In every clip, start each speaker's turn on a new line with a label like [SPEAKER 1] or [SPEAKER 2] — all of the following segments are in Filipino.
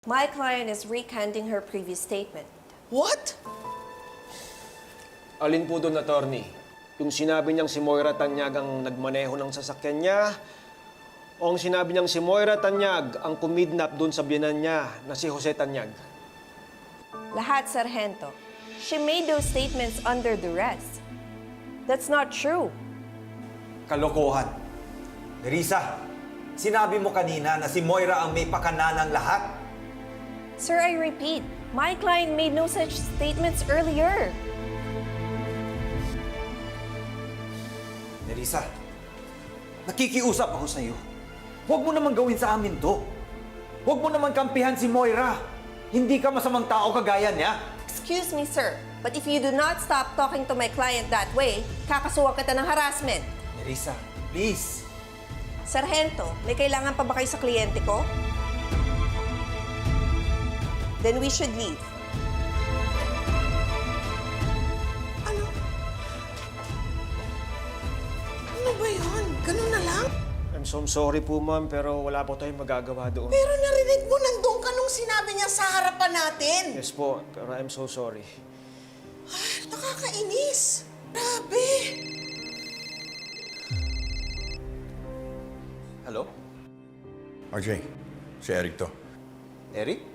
[SPEAKER 1] My client is recanting her previous statement.
[SPEAKER 2] What?
[SPEAKER 3] Alin po doon, attorney? Yung sinabi niyang si Moira Tanyag ang nagmaneho ng sasakyan niya? O ang sinabi niyang si Moira Tanyag ang kumidnap doon sa biyanan niya na si Jose Tanyag?
[SPEAKER 1] Lahat, Sargento. She made those statements under duress. That's not true.
[SPEAKER 4] Kalokohan. Nerissa, sinabi mo kanina na si Moira ang may pakananang lahat.
[SPEAKER 1] Sir, I repeat, my client made no such statements earlier.
[SPEAKER 4] Nerissa, nakikiusap ako sa iyo. Huwag mo naman gawin sa amin to. Huwag mo naman kampihan si Moira. Hindi ka masamang tao kagaya niya.
[SPEAKER 1] Excuse me, sir, but if you do not stop talking to my client that way, kakasuhan kita ng harassment.
[SPEAKER 4] Nerissa, please.
[SPEAKER 1] Sargento, may kailangan pa ba kayo sa kliyente ko? Then we should leave.
[SPEAKER 2] Ano? Ano ba yun? Ganun na lang?
[SPEAKER 3] I'm so sorry po, ma'am, pero wala po tayong magagawa doon.
[SPEAKER 2] Pero narinig mo nandun ka nung sinabi niya sa harapan natin.
[SPEAKER 3] Yes po, pero I'm so sorry.
[SPEAKER 2] Nakakainis. Grabe.
[SPEAKER 4] Hello?
[SPEAKER 5] RJ, si Eric to.
[SPEAKER 4] Eric?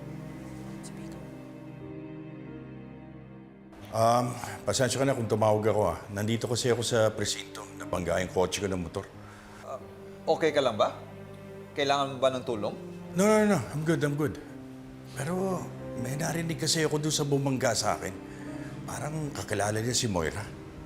[SPEAKER 5] Pasensya ka na kung tumawag ako ah. Nandito kasi ako sa presinto. Nabangga yung kotse ko ng motor.
[SPEAKER 4] Okay ka lang ba? Kailangan mo ba ng tulong?
[SPEAKER 5] No. I'm good. Pero may narinig kasi ako doon sa bumangga sa akin. Parang kakilala niya si Moira.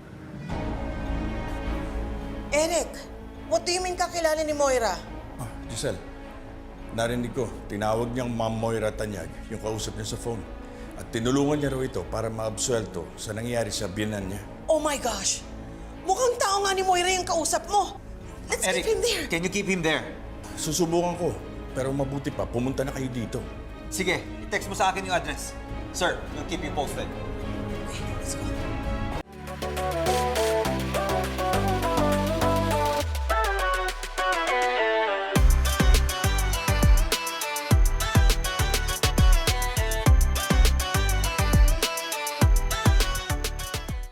[SPEAKER 2] Eric, what do you mean kakilala ni Moira?
[SPEAKER 5] Ah, Giselle, narinig ko, tinawag niyang Ma'am Moira Tanyag, yung kausap niya sa phone. At tinulungan niya raw ito para maabsuelto sa nangyari sa biyanan niya.
[SPEAKER 2] Oh my gosh! Mukhang tao nga ni Moira yung kausap mo. Let's
[SPEAKER 4] Eric,
[SPEAKER 2] keep him there.
[SPEAKER 4] can you keep him there?
[SPEAKER 5] Susubukan ko, pero mabuti pa, pumunta na kayo dito.
[SPEAKER 4] Sige, i-text mo sa akin yung address. Sir, we'll keep you posted.
[SPEAKER 2] Okay, let's go.